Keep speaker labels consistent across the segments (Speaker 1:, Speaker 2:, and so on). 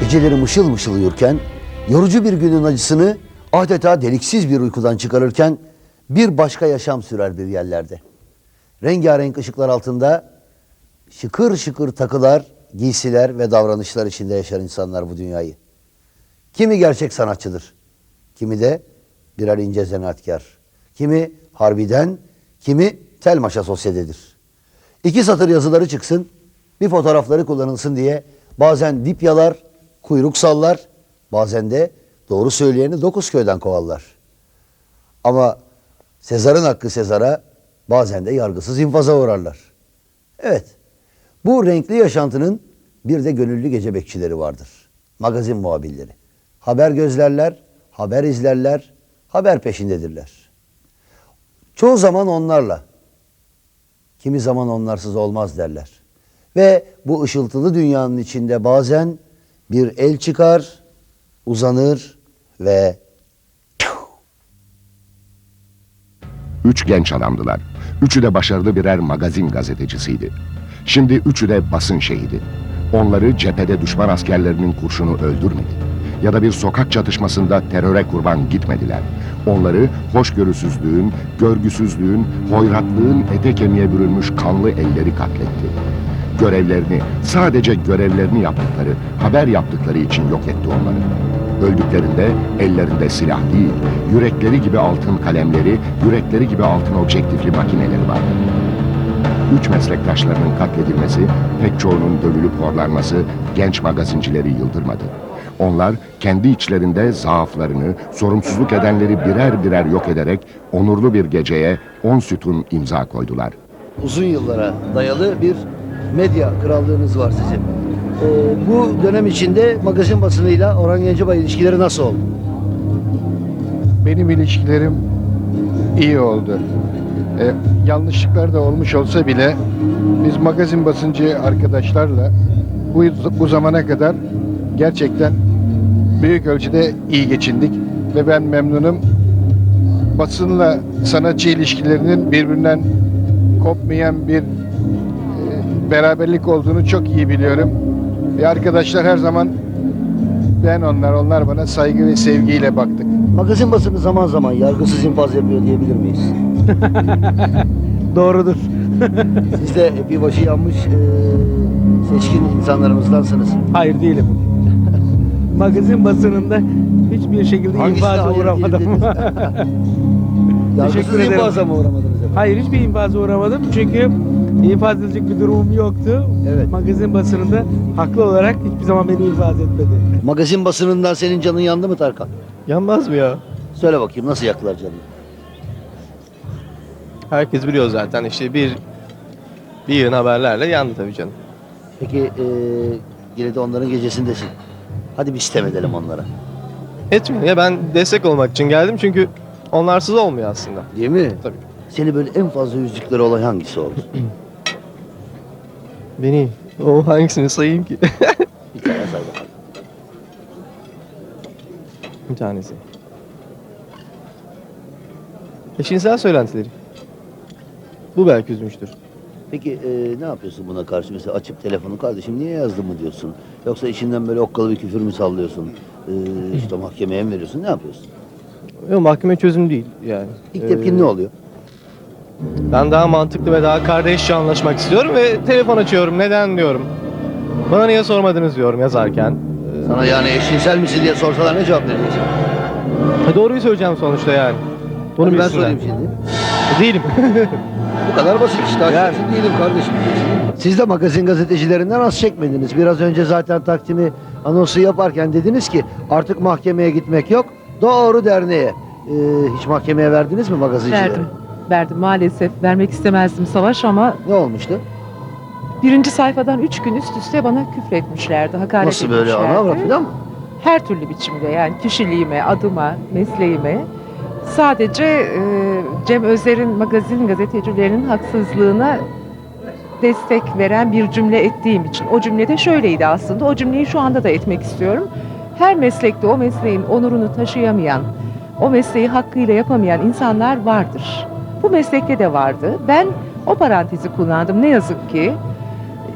Speaker 1: Geceleri mışıl mışıl uyurken, yorucu bir günün acısını adeta deliksiz bir uykudan çıkarırken bir başka yaşam sürer bir yerlerde. Rengarenk ışıklar altında şıkır şıkır takılar, giysiler ve davranışlar içinde yaşar insanlar bu dünyayı. Kimi gerçek sanatçıdır, kimi de birer ince zanaatkar, kimi harbiden, kimi tel maşa sosyetedir. İki satır yazıları çıksın, bir fotoğrafları kullanılsın diye bazen dip yalar, kuyruk sallar, bazen de doğru söyleyeni 9 köyden kovarlar. Ama Sezar'ın hakkı Sezar'a, bazen de yargısız infaza uğrarlar. Evet, bu renkli yaşantının bir de gönüllü gece bekçileri vardır. Magazin muhabirleri. Haber gözlerler, haber izlerler, haber peşindedirler. Çoğu zaman onlarla, kimi zaman onlarsız olmaz derler. Ve bu ışıltılı dünyanın içinde bazen bir el çıkar, uzanır ve...
Speaker 2: 3 genç adamdılar. Üçü de başarılı birer magazin gazetecisiydi. Şimdi üçü de basın şehidi. Onları cephede düşman askerlerinin kurşunu öldürmedi. Ya da bir sokak çatışmasında teröre kurban gitmediler. Onları hoşgörüsüzlüğün, görgüsüzlüğün, hoyratlığın ete kemiğe bürünmüş kanlı elleri katletti. Görevlerini, sadece görevlerini yaptıkları, haber yaptıkları için yok etti onları. Öldüklerinde ellerinde silah değil, yürekleri gibi altın kalemleri, yürekleri gibi altın objektifli makineleri vardı. Üç meslektaşlarının katledilmesi, pek çoğunun dövülüp horlanması genç magazincileri yıldırmadı. Onlar kendi içlerinde zaaflarını, sorumsuzluk edenleri birer birer yok ederek onurlu bir geceye 10 sütun imza koydular.
Speaker 1: Uzun yıllara dayalı bir medya krallığınız var sizin. Bu dönem içinde magazin basınıyla Orhan Gencebay ilişkileri nasıl oldu?
Speaker 3: Benim ilişkilerim iyi oldu. Yanlışlıklar da olmuş olsa bile biz magazin basıncı arkadaşlarla bu zamana kadar gerçekten büyük ölçüde iyi geçindik ve ben memnunum. Basınla sanatçı ilişkilerinin birbirinden kopmayan bir beraberlik olduğunu çok iyi biliyorum. Ve arkadaşlar her zaman onlar bana saygı ve sevgiyle baktık.
Speaker 1: Magazin basını zaman zaman yargısız infaz yapıyor diyebilir miyiz?
Speaker 4: Doğrudur.
Speaker 1: Siz de bir başı yanmış seçkin insanlarımızdansınız.
Speaker 4: Hayır değilim. Magazin basınında hiçbir şekilde
Speaker 1: Hangisi
Speaker 4: infaza
Speaker 1: hayır
Speaker 4: uğramadım.
Speaker 1: değilim Yargısız
Speaker 4: Teşekkür ederim.
Speaker 1: infaza mı uğramadınız efendim?
Speaker 4: Hayır, hiçbir infaza uğramadım çünkü infaz edilecek bir durumum yoktu.
Speaker 1: Evet.
Speaker 4: Magazin basınında haklı olarak hiçbir zaman beni infaz etmedi.
Speaker 1: Magazin basınından senin canın yandı mı Tarkan?
Speaker 5: Yanmaz mı ya?
Speaker 1: Söyle bakayım, nasıl yaktılar canını?
Speaker 5: Herkes biliyor zaten işte bir yığın haberlerle yandı tabii canım.
Speaker 1: Peki yine de onların gecesindesin. Hadi bir sitem edelim onlara.
Speaker 5: Etmiyor ya, ben destek olmak için geldim çünkü onlarsız olmuyor aslında.
Speaker 1: Değil mi?
Speaker 5: Tabii.
Speaker 1: Seni böyle en fazla üzdükleri olay hangisi oldu?
Speaker 5: Beni o hangisini sayayım ki?
Speaker 1: Bir tane say bakalım.
Speaker 5: Bir tanesi. Eşcinsel söylentileri. Bu belki üzmüştür.
Speaker 1: Peki ne yapıyorsun buna karşı? Mesela açıp telefonu, kardeşim niye yazdın mı diyorsun? Yoksa içinden böyle okkalı bir küfür mü sallıyorsun? İşte mahkemeye mi veriyorsun? Ne yapıyorsun?
Speaker 5: Yok, mahkeme çözüm değil yani.
Speaker 1: İlk tepkin ne oluyor?
Speaker 5: Ben daha mantıklı ve daha kardeşçe anlaşmak istiyorum ve telefon açıyorum. Neden diyorum. Bana niye sormadınız diyorum yazarken.
Speaker 1: Sana yani eşcinsel misin diye sorsalar ne cevap vereceksin?
Speaker 5: Doğruyu söyleyeceğim sonuçta yani. Bunu
Speaker 1: Hadi ben
Speaker 5: bilsinler.
Speaker 1: sorayım şimdi.
Speaker 5: Değilim.
Speaker 1: Bu kadar basit işte.
Speaker 5: Yani.
Speaker 1: Açıksın değilim kardeşim. Siz de magazin gazetecilerinden az çekmediniz. Biraz önce zaten Taksim'i anonsu yaparken dediniz ki artık mahkemeye gitmek yok. Doğru derneğe. Hiç mahkemeye verdiniz mi magazincileri?
Speaker 6: Verdim maalesef. Vermek istemezdim Savaş ama
Speaker 1: Ne olmuştu?
Speaker 6: birinci sayfadan 3 gün üst üste bana küfretmişlerdi, hakaret
Speaker 1: Nasıl böyle
Speaker 6: etmişlerdi.
Speaker 1: ana avrat falan mı?
Speaker 6: Her türlü biçimde, yani kişiliğime, adıma, mesleğime. Sadece Cem Özer'in magazin gazetecilerinin haksızlığına destek veren bir cümle ettiğim için. O cümle de şöyleydi aslında. O cümleyi şu anda da etmek istiyorum. Her meslekte o mesleğin onurunu taşıyamayan, o mesleği hakkıyla yapamayan insanlar vardır. Bu meslekte de vardı. Ben o parantezi kullandım. Ne yazık ki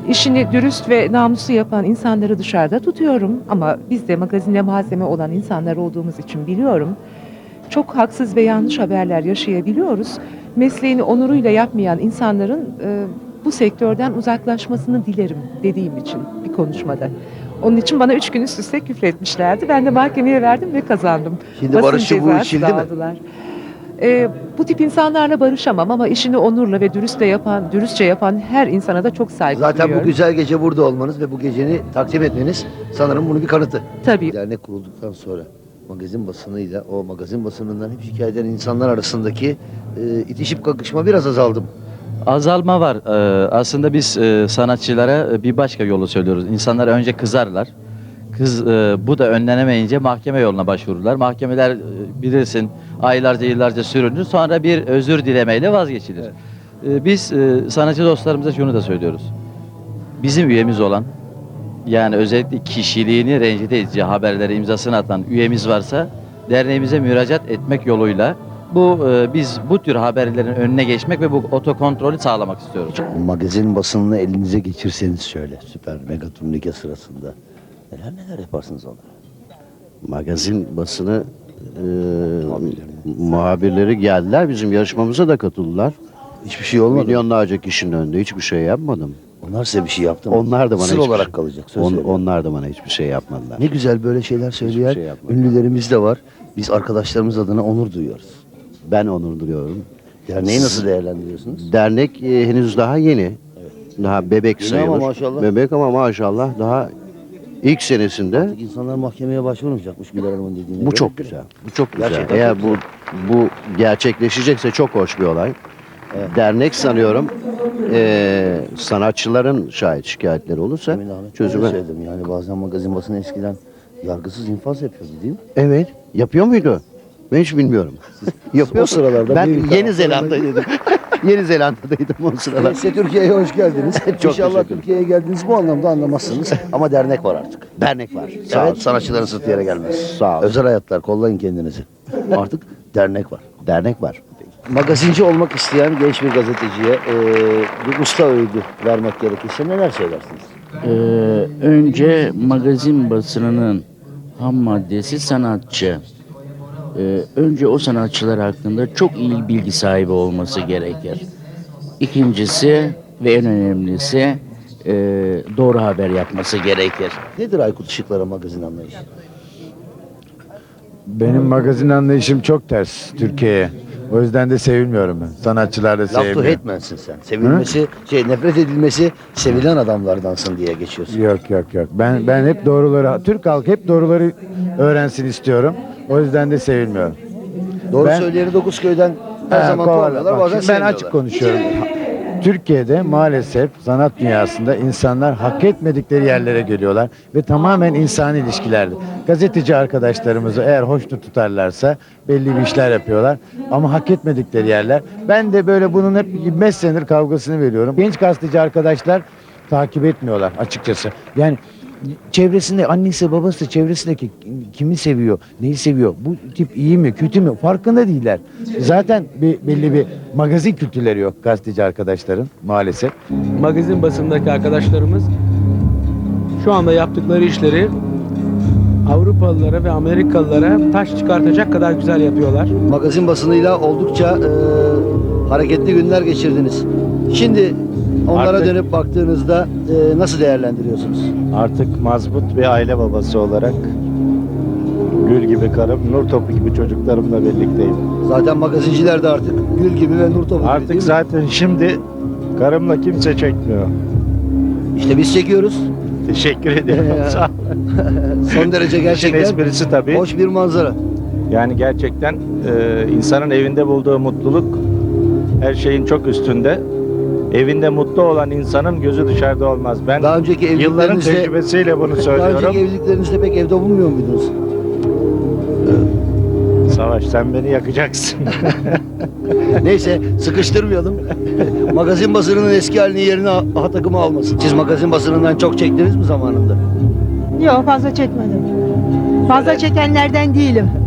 Speaker 6: işini dürüst ve namuslu yapan insanları dışarıda tutuyorum. Ama biz de magazinde malzeme olan insanlar olduğumuz için biliyorum. Çok haksız ve yanlış haberler yaşayabiliyoruz. Mesleğini onuruyla yapmayan insanların bu sektörden uzaklaşmasını dilerim dediğim için bir konuşmada. Onun için bana 3 gün üst üste küfretmişlerdi. Ben de mahkemeye verdim ve kazandım.
Speaker 1: Şimdi
Speaker 6: Basın
Speaker 1: barışçı bu
Speaker 6: cezası
Speaker 1: içildi
Speaker 6: da
Speaker 1: mi?
Speaker 6: aldılar. Bu tip insanlarla barışamam ama işini onurla ve dürüstçe yapan her insana da çok saygı
Speaker 1: Zaten bu
Speaker 6: duyuyorum.
Speaker 1: güzel gece burada olmanız ve bu geceni takdim etmeniz sanırım bunun bir kanıtı.
Speaker 6: Tabii.
Speaker 1: Dernek kurulduktan sonra magazin basınıyla o magazin basınından hep şikayet eden insanlar arasındaki itişip kakışma biraz azaldı mı?
Speaker 7: Azalma var. Aslında biz sanatçılara bir başka yolu söylüyoruz. İnsanlar önce kızarlar. Bu da önlenemeyince mahkeme yoluna başvururlar. Mahkemeler bilirsin aylarca yıllarca sürünür. Sonra bir özür dilemeyle vazgeçilir. Biz sanatçı dostlarımıza şunu da söylüyoruz. Bizim üyemiz olan, yani özellikle kişiliğini rencide edici haberlere imzasını atan üyemiz varsa derneğimize müracaat etmek yoluyla biz bu tür haberlerin önüne geçmek ve bu otokontrolü sağlamak istiyoruz.
Speaker 1: Magazin basınını elinize geçirseniz şöyle süper mega turnike sırasında neler yaparsınız onlara?
Speaker 8: Magazin basını muhabirleri geldiler. Bizim yarışmamıza da katıldılar.
Speaker 1: Hiçbir şey olmadı.
Speaker 8: Milyonlarca kişinin önünde hiçbir şey yapmadım.
Speaker 1: Onlar size bir şey yaptı mı?
Speaker 8: Onlar da bana
Speaker 1: Sır
Speaker 8: hiçbir
Speaker 1: olarak
Speaker 8: şey-
Speaker 1: kalacak. Söz veriyorum.
Speaker 8: Onlar da bana hiçbir şey yapmadılar.
Speaker 1: Ne güzel böyle şeyler söyleyen
Speaker 8: şey yapmadım.
Speaker 1: ünlülerimiz de var. Biz arkadaşlarımız adına onur duyuyoruz.
Speaker 8: Ben onur duyuyorum.
Speaker 1: Derneği nasıl değerlendiriyorsunuz?
Speaker 8: Dernek henüz daha yeni. Daha bebek
Speaker 1: Yeni
Speaker 8: sayılır.
Speaker 1: ama maşallah.
Speaker 8: Bebek ama maşallah daha ilk senesinde.
Speaker 1: Artık insanlar mahkemeye başvurmayacakmış Güler Hanım'ın dediğine
Speaker 8: Bu
Speaker 1: göre.
Speaker 8: çok güzel. Bu çok güzel.
Speaker 1: Gerçekten
Speaker 8: Eğer
Speaker 1: çok
Speaker 8: bu gerçekleşecekse çok hoş bir olay. Dernek sanıyorum sanatçıların şikayetleri olursa
Speaker 1: Emin Ahmet
Speaker 8: çözüme.
Speaker 1: söyledim yani bazen magazin basını eskiden yargısız infaz yapıyordu değil mi?
Speaker 8: Evet. Yapıyor muydu? Ben hiç bilmiyorum. Yapıyor.
Speaker 1: O sıralarda
Speaker 8: Ben
Speaker 1: büyük
Speaker 8: Yeni
Speaker 1: taraftarlarına-
Speaker 8: Zelanda'daydım. Yeni Zelanda'daydım o sıralar.
Speaker 1: Neyse Türkiye'ye hoş geldiniz.
Speaker 8: Çok
Speaker 1: İnşallah
Speaker 8: teşekkür
Speaker 1: Türkiye'ye geldiniz bu anlamda anlamazsınız. Ama dernek var artık.
Speaker 8: Dernek var. Sağ
Speaker 1: Evet,
Speaker 8: olsun.
Speaker 1: sanatçıların sırtı yere gelmez.
Speaker 8: Sağ olun.
Speaker 1: Özel hayatlar kollayın kendinizi. Artık dernek var.
Speaker 8: Dernek var.
Speaker 1: Magazinci olmak isteyen genç bir gazeteciye bir usta öğüdü vermek gerekirse neler söylersiniz?
Speaker 9: Önce magazin basınının ham maddesi sanatçı. Önce o sanatçılar hakkında çok iyi bilgi sahibi olması gerekir. İkincisi ve en önemlisi doğru haber yapması gerekir.
Speaker 1: Nedir Aykut Işıklar'a magazin anlayışı?
Speaker 10: Benim magazin anlayışım çok ters Türkiye'ye. O yüzden de sevilmiyorum ben. Sanatçılar da
Speaker 1: Laf to
Speaker 10: sevmiyor.
Speaker 1: hate'mensin sen. Sevilmesi, nefret edilmesi sevilen adamlardansın diye geçiyorsun.
Speaker 10: Yok. Ben hep doğruları, Türk halkı hep doğruları öğrensin istiyorum. O yüzden de sevilmiyorum.
Speaker 1: Doğru
Speaker 10: Ben-
Speaker 1: söyleyeni Dokuzköy'den her
Speaker 10: Ha,
Speaker 1: zaman
Speaker 10: kovalar.
Speaker 1: kovalıyorlar
Speaker 10: Bak,
Speaker 1: bazen
Speaker 10: şimdi ben
Speaker 1: sevmiyorlar.
Speaker 10: açık konuşuyorum. Türkiye'de maalesef sanat dünyasında insanlar hak etmedikleri yerlere geliyorlar ve tamamen insani ilişkilerde. Gazeteci arkadaşlarımızı eğer hoşnut tutarlarsa belli bir işler yapıyorlar ama hak etmedikleri yerler. Ben de böyle bunun hep 25 senedir kavgasını veriyorum. Genç gazeteci arkadaşlar takip etmiyorlar açıkçası. Yani çevresinde annesi babası çevresindeki kimi seviyor, neyi seviyor, bu tip iyi mi kötü mü farkında değiller. Zaten belli bir magazin kültürleri yok gazeteci arkadaşların maalesef.
Speaker 4: Magazin basındaki arkadaşlarımız şu anda yaptıkları işleri Avrupalılara ve Amerikalılara taş çıkartacak kadar güzel yapıyorlar.
Speaker 1: Magazin basınıyla oldukça hareketli günler geçirdiniz. Şimdi onlara
Speaker 11: Artık-
Speaker 1: dönüp baktığınızda nasıl değerlendiriyorsunuz?
Speaker 11: Artık mazbut bir aile babası olarak gül gibi karım, nur topu gibi çocuklarımla birlikteyim.
Speaker 1: Zaten magazinciler de artık gül gibi ve nur topu gibi değil
Speaker 11: Artık
Speaker 1: mi?
Speaker 11: zaten şimdi karımla kimse çekmiyor.
Speaker 1: İşte biz çekiyoruz.
Speaker 11: Teşekkür ediyorum. Sağ ol.
Speaker 1: Son derece
Speaker 11: İşin
Speaker 1: gerçekten
Speaker 11: esprisi tabii.
Speaker 1: hoş bir manzara.
Speaker 11: Yani gerçekten insanın evinde bulduğu mutluluk her şeyin çok üstünde. Evinde mutlu olan insanın gözü dışarıda olmaz. Ben
Speaker 1: Daha önceki
Speaker 11: yılların
Speaker 1: evliliklerinizde
Speaker 11: tecrübesiyle bunu
Speaker 1: daha
Speaker 11: söylüyorum.
Speaker 1: önceki evliliklerinizde pek evde bulunmuyor muydunuz?
Speaker 11: Savaş sen beni yakacaksın.
Speaker 1: Neyse sıkıştırmayalım. Magazin basınının eski halini yerine A takımı almasın. Siz magazin basınından çok çektiniz mi zamanında?
Speaker 12: Yok fazla çekmedim. Fazla çekenlerden değilim.